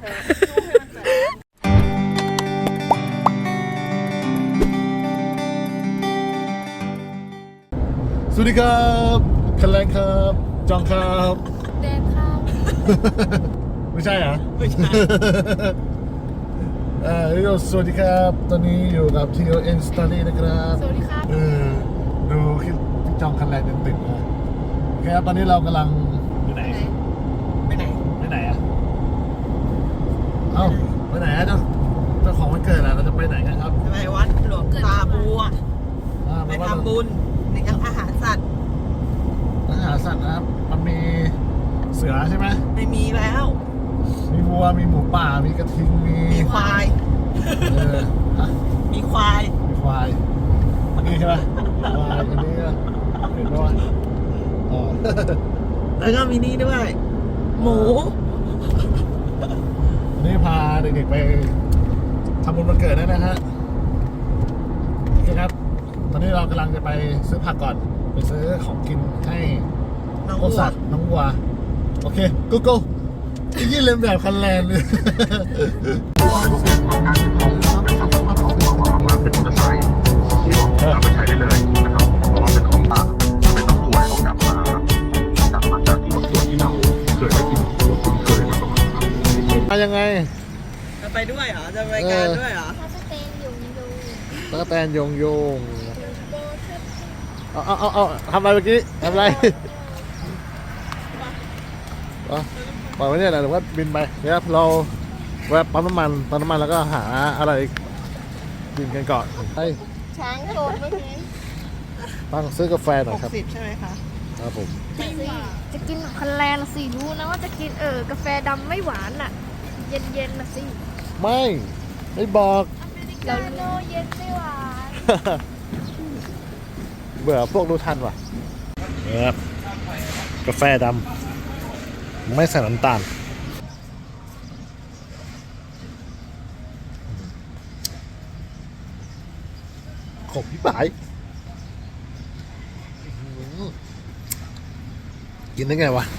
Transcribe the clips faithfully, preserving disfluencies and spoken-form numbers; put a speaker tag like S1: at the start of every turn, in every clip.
S1: สวัสดีครับคันแรงครับจองครับ
S2: แดนครับ
S1: ไม่ใช่เหรอ
S3: ไม่ใช่
S1: อ่าสวัสดีครับตอนนี้อยู่กับ ที โอ เอ็น Study นะครับ
S2: สวัสดีครับ
S1: เออดูคลิปจองคันแรงติดๆนะโอเคครับตอนนี้เรากำลังไปไหน
S3: ไปไหน
S1: ไปไหนอ่ะเอ้าไปไหนอ่ะเจ้าเจ้าของวันเกิดอ่ะเราจะไปไหนกันครับ
S3: จะไปวัดหลวงตาบัว
S1: อ่า
S3: ไป
S1: ว่า
S3: ทำบุญในยังอาหารสัตว์
S1: อาหารสัตว์นะครับมันมีเสือใช่ไหม
S3: ไม่มีแล้ว
S1: มีวัวมีหมูป่ามีกระทิงมี
S3: มีควาย
S1: เออฮะ
S3: มีควาย
S1: มีควายอันนี้ใช่ไหมควายอันนี้ก็เห็นไหมวะอ๋อ
S3: แล้วก็มีนี่ด้วย หมู
S1: อันนี้พาเด็กๆไปทำบุญวันเกิดได้นะฮะโอเคครับ ตอนนี้เรากำลังจะไปซื้อผักก่อนไปซื้อของกินให้
S3: น้อง
S1: พวก
S3: วัว
S1: สัตว์น้องวัวโอเคกูกูยี่เล่นแบบคันแลนเลย
S4: เป็นมอเตอร์ไซค์ที่เอาไปใช้ได้เลยนะครับเพราะว่าเป็นของป่าเป็นต้องรวยเขากลับมากลับมาจากที่บางส่วนที่เราเคยได้ยินเราคุ้นเคยมาก่อนนะครับ
S1: มายังไง
S3: จะไปด้วยเหรอ จะไปงานด้วยเหรอ
S2: ถ้าสเตนอยู่อยู่
S1: ตะกแตนโยงโยงเอาเอาเอาเอาทำอะไรเมื่อกี้ทำอะไรอ๋อปล่อยไว้เนี่ยแหละหรือว่าบินไปเดี๋ยวเราแวะปั๊มน้ำมันปั๊มน้ำมันแล้วก็หาอะไรกินกันก่อนไป
S2: ช้างโดนเมื่อกี้
S1: ตั้งซื้อกาแฟหน่
S3: ห
S1: อย
S3: ก
S1: ครับ
S3: สิบใช่ไหมคะ
S1: ครับผม
S2: จะกินคันแลนสิรู้นะว่าจะกินเออกาแฟดำไม่หวานอ่ะ เย็นเย็นๆนะสิ
S1: ไม่ไม่บอก
S2: เราโนเย็นไม่หวาน
S1: เบื่อพวกรู้ทันว่ะครับกาแฟดำไม่ใส่น้ำตาลขบพี่ปายกินได้ไงวะ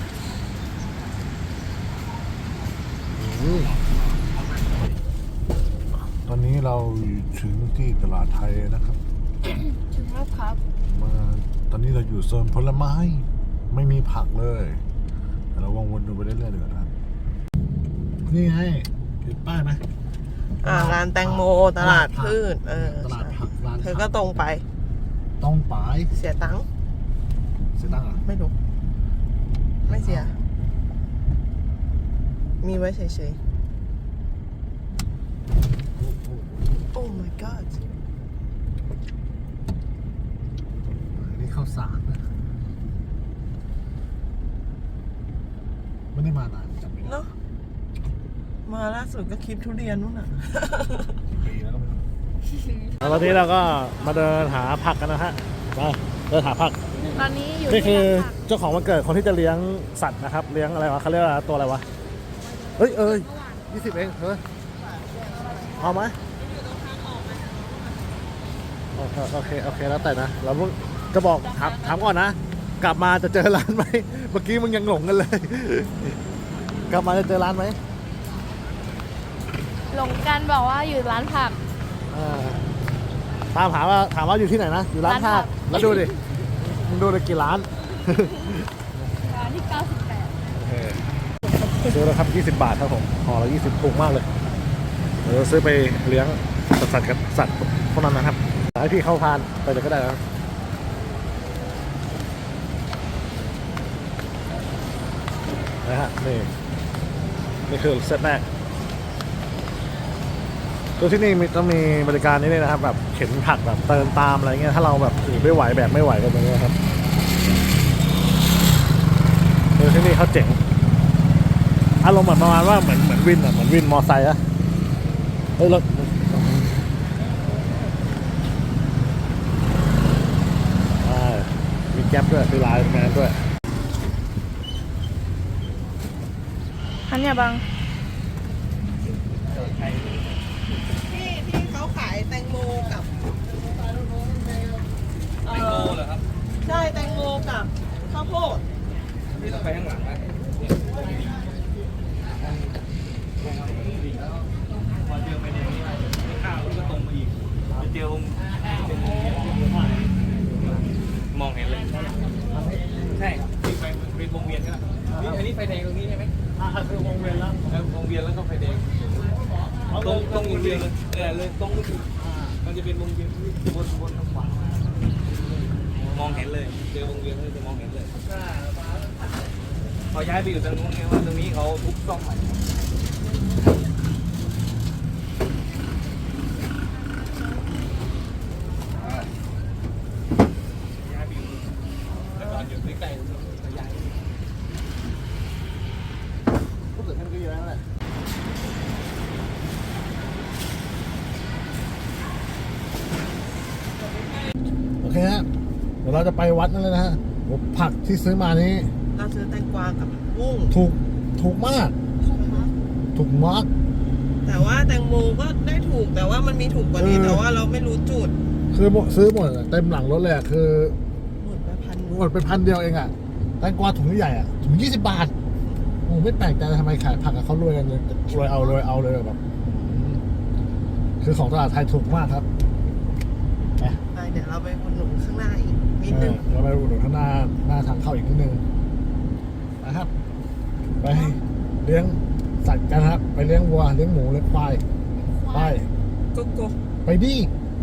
S1: อืมตอนนี้เราถึงที่ตลาดไทยนะครับ
S2: ถึงแล้วครับ
S1: มาตอนนี้เราอยู่โซนผลไม้ไม่มีผักเลยแต่เราวงวนดูไปเรื่อยๆเดี๋ยวนะครับนี่ให้เห็นป้ายไหม
S3: อ่าร้านแตงโมตลาดพืชเออ
S1: ตลาดผักร้าน
S3: เธอก็ตรงไป
S1: ต้องปาย
S3: เสียตังค์
S1: เสียตังค์เหรอ
S3: ไม่รู้ ไม่เสีย มีไว้เฉยๆ โอ้ my god
S1: อันนี้ข้าวสารนะไม่ได้มานานจำไม่ได้
S3: เนาะมาล่าสุดก็คลิปทุเรียนนู่นน่ะ
S1: ปีแล้วก็ไม่รู้ตอนนี้เราก็มาเดินหาผักกันนะฮะมาเดินหาผัก
S2: ตอนนี้อยู่
S1: นี่คือ
S2: ที่ผัก
S1: เจ้าของวันเกิดคนที่จะเลี้ยงสัตว์นะครับ เลี้ยงอะไรวะเขาเรียกว่าตัวอะไรวะเฮ้ยเอ้ยยี่สิบเองเฮ้ยเอาไหมโอเคโอเคโอเคแล้วแต่นะเราจะบอกถามถามก่อนนะกลับมาจะเจอร้านไหมเมื่อกี้มึงยังหลงกันเลย กลับมาจะเจอร้านไหม
S2: หลงกันบอกว่าอยู่ร้านผัก
S1: อ่าตามถามว่าถามว่าอยู่ที่ไหนนะอยู่ร้าน
S2: ร้านผั
S1: ผัก
S2: ก
S1: แล้วดูดิมึงดูเลยกี่ร้าน
S2: ร้านที่เก้าสิบแปด
S1: ซื้อแล้วครับยี่สิบบาทครับผมห่อละยี่สิบถูกมากเลยเดี๋ยวซื้อไปเลี้ยงสัตว์กับสัตว์พวกนั้นนะครับให้พี่เข้าพานไปเลยก็ได้นะนะฮะนี่นี่คือเซตแรกตัวที่นี่มีต้องมีบริการนี้เลยนะครับแบบเข็นผักแบบเติมตามอะไรเงี้ยถ้าเราแบบถือไม่ไหวแบบไม่ไหวก็แบบนี้ครับตัวที่นี่เขาเจ๋งอารมณ์เหมือนประมาณว่าเหมือนเหมือนวินอ่ะเหมือนวินมอไซค์อะเฮ้ยรถมีแก๊ปด้วยมีลายแมนด้วย
S2: อันเนี้ยบัง
S3: ที่ที่เขาขายแตงโมกับแตงโมเหรอครับ ใช่แตงโมกับข้าวโพดพี่ต้องไปข้างหลังนะ
S5: พอเจอไฟแดงนี่ไม่ข้าวแล้วก็ตรงมาอีกไปเจอวงเป็นมองเห็นเลยใช่ครับมีไฟเป็นวงเวียนก็นี่อันนี้ไฟแดงตรงนี้ใช่ไหมอ่าคือวงเวียนแล้ววงเวียนแล้วก็ไฟแดงตรงตรงวงเวียนเลยเออเลยตรงก็คือมันจะเป็นวงเวียนบนบนทางขวามองเห็นเลยเจอวงเวียนก็จะมองเห็นเลยพอย้ายไปอยู่ตรงนู้นไงว่าตรงนี้เขาทุบซ่อมใหม่ย้ายไปอยู่แต่ก่อนอยู่ใกล้ๆตรงนี้ย้ายรู้สึกท่านก็เยอะแล้วแหละ
S1: โอเคฮะเดี๋ยวเราจะไปวัดนั่นเลยนะฮะโอ้ผักที่ซื้อมานี้
S3: เราซื้อแตงกวากับกุ้ง
S1: ถูกถูกมาก ถูกมาก
S3: แต่ว่าแตงโมก็ได้ถูกแต่ว่ามันมีถูกกว่านี้
S1: เออ
S3: แต่ว่าเราไม่รู้จุด
S1: คือหมดซื้อหมดอะเต็มหลังรถเลยอะคือ
S3: หมดไปพัน
S1: หมดไปพันเดียวเองอ่ะแตงกวาถุงใหญ่อ่ะถุงยี่สิบบาทโอ้ไม่แปลกใจทำไมขายผักกับเขารวยกันเลยรวยเอารวยเอาเลยแบบอืมคือของตลาดไทยถูกมากครับไป
S3: ไปเดี๋ยวเราไปอุดหนุนข้างหน้าอีกนิด
S1: เอ
S3: นึ
S1: อง เราไปอุดหนุนข้างหน้าหน้าทางเข้าอีกนิดนึงนะครับ ไปเลี้ยงสัตว์กันครับ ไปเลี้ยงวัวเลี้ยงหมูเลี้ยงควายไป
S3: โกโก้
S1: ไปดิ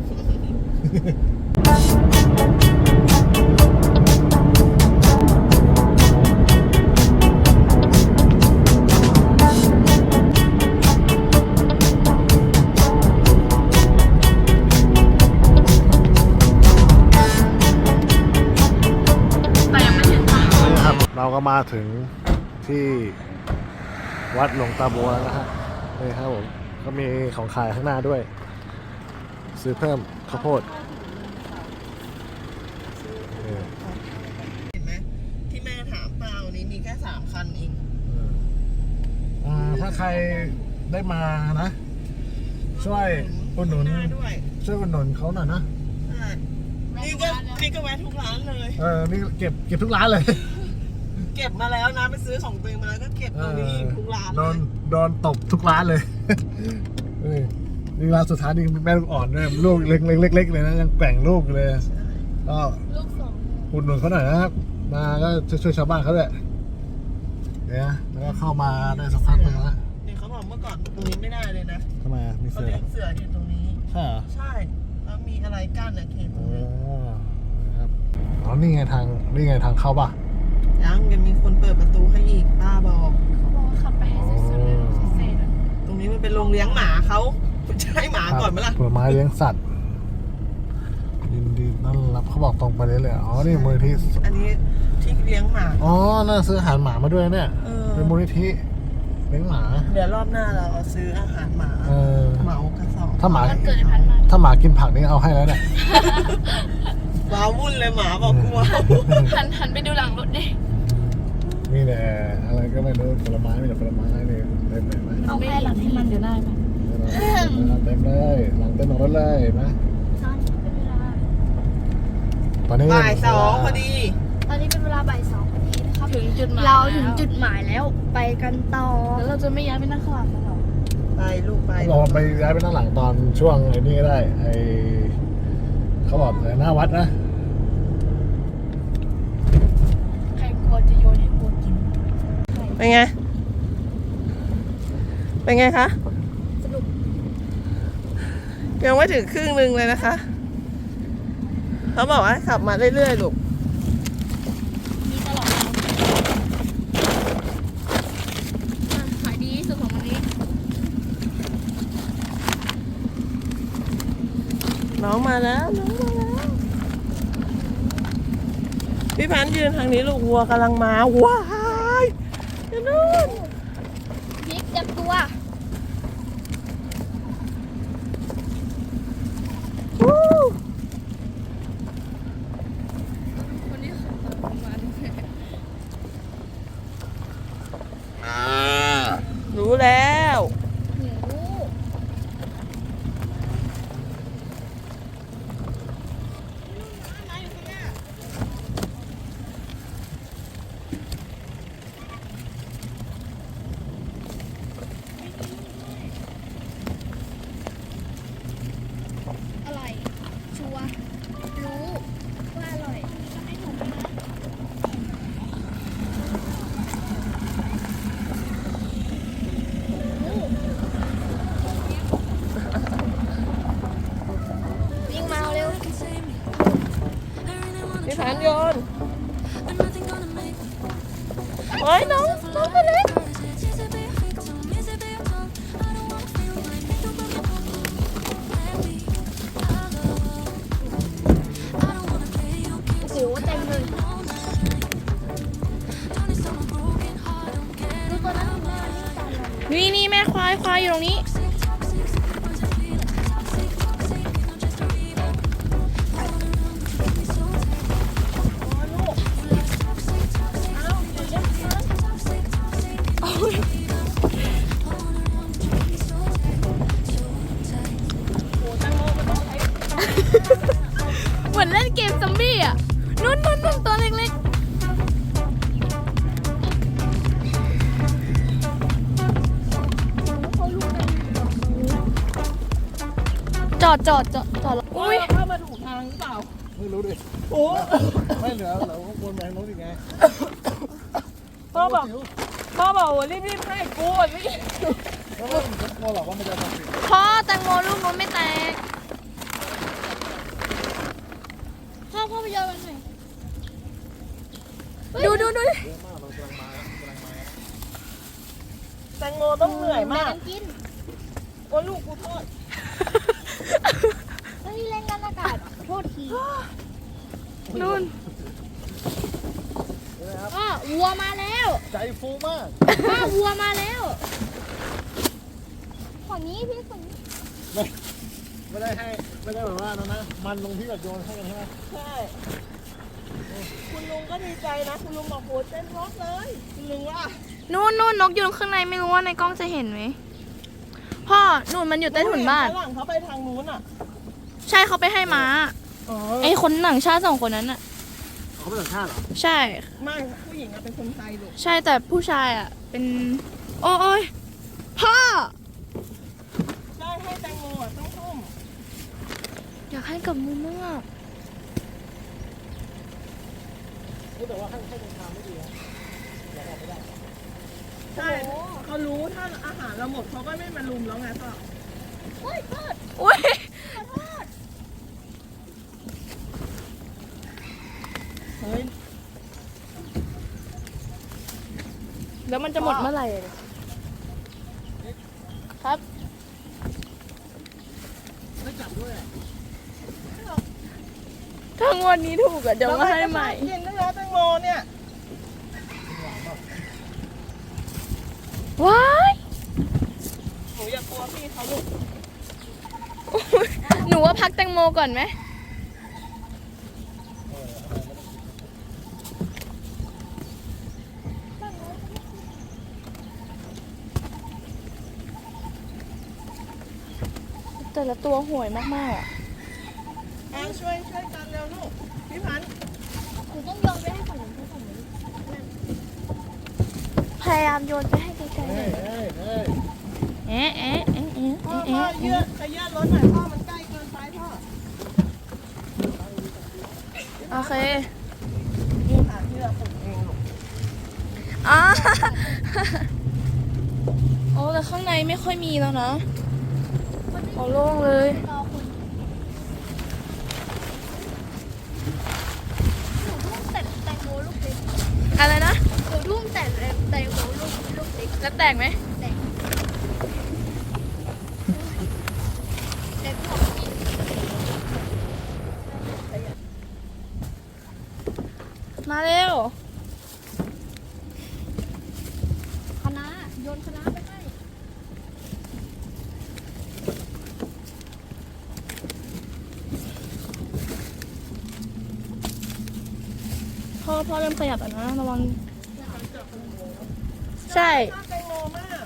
S1: นี่ครับเราก็มาถึงที่วัดหลวงตาบัวแล้วนะฮะนี่ครับผมก็มีของขายข้างหน้าด้วย ซื้อเพิ่มข้าวโพดนี่
S3: เห็นไหมที่แม่ถามเปล่านี้มีแค่สามคันเอง
S1: อ่าถ้าใครได้มานะ ช่วยอุดหนุน
S3: ข้างาด้วย
S1: ช่วยอุดหนุนเขาหน่อยนะ
S3: ใช่นี่ก็นี่ก็แวะทุกร้านเลย
S1: เออนี่เก็บเก็บทุกร้านเลย
S3: เก็บมาแล้วนะไปซื้อของตัวเองมาแล้วก็เก็บตรงนี้อีกทุกร้าน
S1: โด
S3: เล
S1: น
S3: ย
S1: โดนตบทุกร้านเลย นี่นี่ร้านสุดท้ายนี่แม่ลูกอ่อนด้วยลูกเล็กเล็กเล็กเลยนะยังแกว่งลูกเลยก็
S2: ลูกสอง
S1: อุดหนุนเขาหน่อยนะครับ มาก็ช่วยชาวบ้านเขาด้วยเนี่ยแล้วก็เข้ามาได้สักพักหนึงแล้ว
S3: นี่เขาบอกเมื่อก่อนตรงนี้ไม่ได้เลยนะ
S1: ทำไมอ่ะมี
S3: เขา
S1: เสือ
S3: เลี้ยงเสืออยู่ตรงนี้
S1: ใช่เหรอ
S3: ใช่แล้วมีอะไรกั้นอะเขตต
S1: อ๋
S3: รงนี้
S1: อนะครับอ๋อนี่ไงทางนี่ไงทางเข้าป่ะ
S3: ยังยังมีคนเปิดประตูให้อีกป้าบอก
S2: เขาบอกว่าขับไปให้สุดๆเลยเซ่ๆอะ
S3: ตรงนี้มันเป็นโรงเลี้ยงหมาเขาจะให้หมาก่อนไหมล่ะ
S1: ผลไม้เลี้ยงสัตว์ยินดีต้อนรับเขาบอกตรงไปเลยเลยอ๋อนี่มูลนิธิ
S3: อันนี้ที่เลี้ยงหมา
S1: อ๋อน่าซื้ออาหารหมามาด้วยเนี่ย
S3: เออ
S1: เป็นมูลนิธิเลี้ยงหมา
S3: เดี๋ยวรอบหน้าเราเอาซื้ออาหารหมา
S1: เออ
S3: เหมากระสอบ
S1: ถ้าหมา
S2: วันเกิดไอ้พันธุ์มา
S1: ถ้าหมากินผักนี่เอาให้แล้วเนี่ย
S3: ว้าวุ่นเลยหมาบอกกลัว
S2: หันหันไปดูหลังรถดิ
S1: นี่แหละอะไรก็ไม่รู้ผลไม้ไม่แต่ผลไม้นี่เต็มเลยไหม
S2: เอาแค่หลังให้มันเดี๋ยวได้ไหม
S1: เต็มเลยหลังเต็มของรถเลยเห็นไหม
S2: ตอนนี้เป็นเวลา
S1: ตอนนี้
S3: บ่ายสองพอดี
S2: ตอนนี้เป็นเวลาบ่ายสองพอดีนะครับถึงจุดหมายเราถึงจุดหมายแล้วไปกันต่อแล้วเราจะไม่ย้ายไปนั่งข้างหลังแล้วหรอ
S3: ไปลูกไป
S1: เขาบอกว่าไปย้ายไปนั่งหลังตอนช่วงไอ้นี่ก็ได้ไอ้เขาบอกเลยหน้าวัดนะ
S2: ใครกลัวจะโยนให้โบกิน
S3: เป็นไง เป็นไงคะ
S2: สนุก
S3: ยังไม่ถึงครึ่งหนึ่งเลยนะคะ เขาบอกว่าขับมาเรื่อยๆลูก
S2: มีตลอดขายดีที่สุดของวันนี้
S3: น้องมาแล้วน้องมาแล้ว พี่พันธุ์ยืนทางนี้ลูกวัวกำลังมา ว้ายอยู่นู่น
S2: พริกจับตัว
S3: วู้
S2: คนนี้ขับตามมาด้วย
S3: รู้แล้ว
S2: หนู
S3: อ้ยน้องน้องตัวเล็ก
S2: โอ้โหเต็มเลยดูตัวนั้นมานี่ตามเรา
S3: นี่นี่แม่ควายควายอยู่ตรงนี้
S2: เหมือนเล่นเกมซอมบี้อ่ะนุ่นนุ่นนุ่นตัวเล็กๆ จอดจอดจอดจอดแล้ว
S3: อุ้
S2: อุ้
S3: ย
S2: ย
S3: เข้ามาถูกทางหรือเปล่า
S1: ไม่รู้ดิ
S3: โอ้
S1: ไม่เหลือเราก็วนไปทางโน้นอีกไง
S3: พ่อบอกพ่อบอกว่ารีบๆให้กูอ่ะนี่
S1: แล้วก็ผมกลัวหรอกว่ามันจะทำผิด
S2: พ่อแตงโมลูกนู้นไม่แตกพ่อพ่อไปโยนมันหน่อยดูดูดู
S1: เยอะมากเรากำลังมาแล้วกำลังมาแล้ว
S3: แตงโมต้องเหนื่อยมาก
S2: แบ่งนกิน
S3: โอ้ลูกกูโทษ
S2: เฮ้ยเล่นกันอากาศโทษที
S3: นุ่น
S1: เห็นไหมครับ
S2: พ่อวัวมาแล้ว
S1: ใจฟูมาก
S2: พ่อวัวมาแล้วฝั่งนี้พี่ฝั่งนี้
S1: ไม่ไม่ได้ให้ไม่ได้แบบว่านะนะมันลงที่แบบโยนให้กันใช่ไหม
S3: ใช่คุณลุงก็ดีใจนะคุณลุงบอกโหเต้นร็อกเลยคุณลุงว่า
S2: นู่นนู่นนกอยู่ข้างในไม่รู้ว่าในกล้องจะเห็นไหมพ่อนู่นมันอยู่ใต้ถุนบ้าน
S3: ฝรั่งเขาไปทางนู้นอ่ะ
S2: ใช่เขาไปให้ม้า
S3: อ๋อ
S2: ไอ้คนหนังชาติสองคนนั้นอ่ะ
S1: เขาเป็นต่างชาติเหรอ
S2: ใช่
S3: ไม่ผู้หญิงอะเป็นคนไทยลูก
S2: ใช่แต่ผู้ชายอ่ะ เป็น โอ้ยพ่อ
S3: ใช่ให้แตงโมอะต้องทุ่ม
S2: อยากให้กับมือมาก
S1: แต่ว่าให้ให้ตรงทางไม่ดีนะอย่าออกไม่ได้
S3: ใช่เขารู้ถ้าอาหารเราหมดเขาก็ไม่มาลุมแล้วไงพ่อ
S2: โอ้ยโทษโอ้ย
S3: เฮ้ย
S2: แล้วมันจะหมดเมื่อไหร่ครับ
S1: ไม่จับด้วยอะ
S2: ถ้างวดนี้ถูกอ่ะเดี๋ยวมาให้ใหม่
S3: กินด้วยนะแตงโมเนี่ย
S2: ว้าย
S3: หนูอย่ากลัวพี่เขาลูก
S2: หนูว่าพักแตงโมก่อนไหมแต่ละตัวห่วยมากๆอ่ะ
S3: อ่ะช่วยช่วยกันเร็วลูกพี่พันธุ์
S2: หนูต้องโยนไปให้ฝั่งนู้นให้ฝั่งนู้นพยายามโยนไปให้ไกลๆห
S1: เฮ้
S2: น่
S1: ย
S2: อย
S1: เฮ้ยเฮ้ย
S2: เอ๊ะเอ๊ะเอ๊ะเอ๊ะ
S3: พ่อ
S2: เอ๊ะ
S3: พ่อ
S2: เอ๊ะ
S3: เยืดขยื่นรถหน่อยพ่อมันใกล้เกินไปพ่อ
S2: โอเค
S3: นี่ค่ะที่เราปลูกเองลูก
S2: อ่า โอ้แต่ข้างในไม่ค่อยมีแล้วนะโอ้โล่งเลยอะไรนะหนูทุ่มแต่แตงโมลูกลูกเล็กแล้วแตกไหมแตกแตกของกินมาเร็วคณะโยนคณะไปให้พ่อพ่อเริ่มขยับอ่ะนะระวังใช่
S3: ชอบแตงโมมาก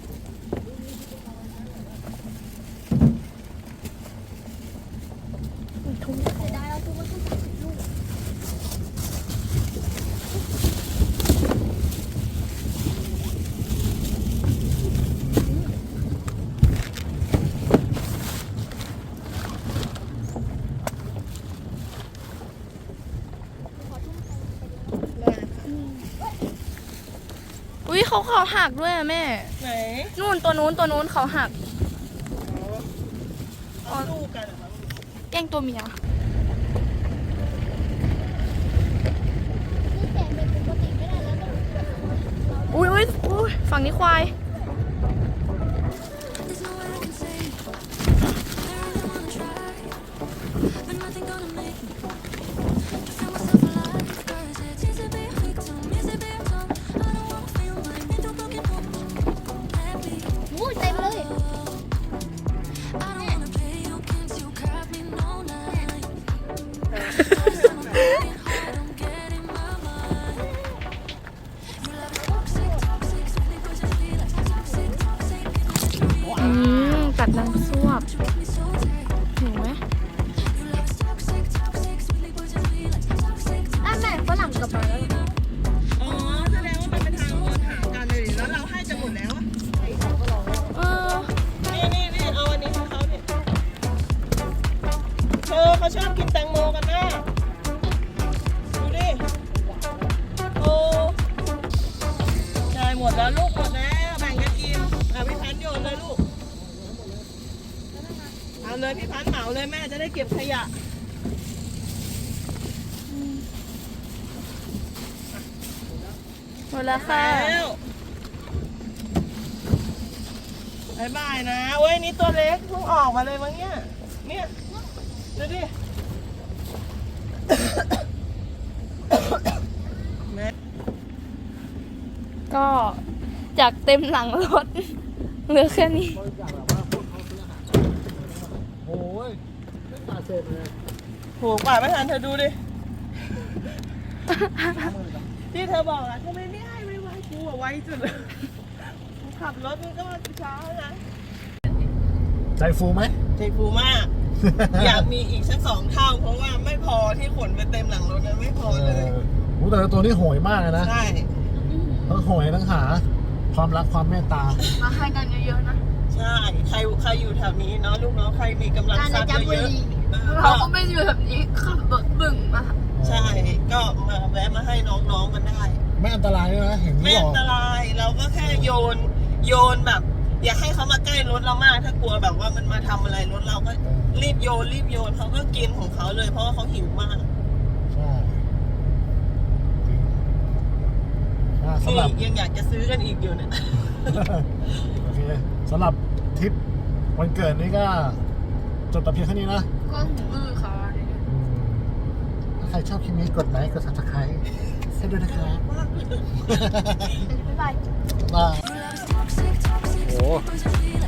S2: ทุ่มเสียดายเอาทุ่มมาทุ่มลูกอุ้ยเขาเขาหักด้วยอะแม่
S3: ไหน
S2: นู่นตัวนู้นตัวนู้นเขาหัก
S3: เอาลูกกันเหรอครับ
S2: แย่งตัวเมียฝั่งนี้ควาย
S6: อู้เต็มเลย
S2: อืมกัดน้ำซวบเห็นไหม
S6: อ่ะแม่ฝรั่งกลับมาแล้ว
S3: อ๋อแสดงว่ามันเป็นทางวนหากันเลยดิแล้วเราให้จะหมดแล้วอะ
S2: เออ
S3: นี่นี่นี่เอาอันนี้ให้เขาดิเธอเขาชอบกินแตงโมกันนะดูดิโอ้ได้หมดแล้วลูกหมดแล้วแบ่งกันกินอ่ะพี่พันธุ์โยนเลยลูกเอาเลยพี่พันธุ์เหมาเลยแม่จะได้เก็บขยะ
S2: หมดแล้วค่ะ
S3: แล้วบายบายนะเว้ยนี่ตัวเล็กเพิ่งออกมาเลยมั้งเนี่ยเนี่ยดูดิ แม่
S2: ก็จากเต็มหลังรถ เหลือแค่นี้
S1: บริจาคแบบว่าพวกเขาซื้ออาหารโอ้ยไม่ขาดเศษเลย
S3: โหกว่าไม่ทันเธอดูดิ ที่เธอบอกอะทำไมไม่ให้ไม่ไว้กูอะไว้สุดเลยกูขับรถมันก็มาช้านะ
S1: ใจฟูไหม
S3: ใจฟูมาก อยากมีอีกสักสองเท่า เพราะว่าไม่พอที่ขนไปเต็มหลังรถนะไม่พอ
S1: เอ
S3: เลย
S1: อโอ้แต่ละตัวนี้โหยมากเลยนะ
S3: ใช่
S1: ทั้งโหยทั้งหา ความรักความเมตตา
S2: มาให้กันเยอะๆนะ
S3: ใช่ ใครใครอยู่แถวนี้เนาะลูกเนาะใครมีกำลัง
S6: การ
S3: ทรัพย์
S6: จับบุ
S3: เยอะ
S6: รี
S3: ๆเออ
S2: เราก็ไม่อยู่แบบนี้ขับรถบึ่งมา
S3: ใช่ ก็มาแวะมาให้น้องๆกันได้
S1: ไม่อันตรายด้วยนะเห็น
S3: ไม่
S1: ที่บ
S3: อั
S1: อน ก
S3: ตรายเราก็แค่โยนโยนแบบ อย่าให้เขามาใกล้รถเรามากถ้ากลัวแบบว่ามันมาทำอะไรรถเราก็รีบโยนรีบโยนเขาก็กินของเขาเลย เพราะว่าเขาหิวมาก
S1: ใช่จริงอ่ะสำ
S3: นี่
S1: หรับ
S3: ยังอยากจะซื้อกันอีกอยู่เนี่ย
S1: โอเคสำหรับทริปวันเกิดนี้ก็จบแต่เพียงเท่านี้นะ
S2: ก็หูอื้อค่ะ
S1: อืมถ้าใครชอบคลิปนี้กดไลค์กด ซับสไครบ์ให้ด้วยนะครับ
S6: บ๊ายบาย
S1: บ๊ายบายโอ้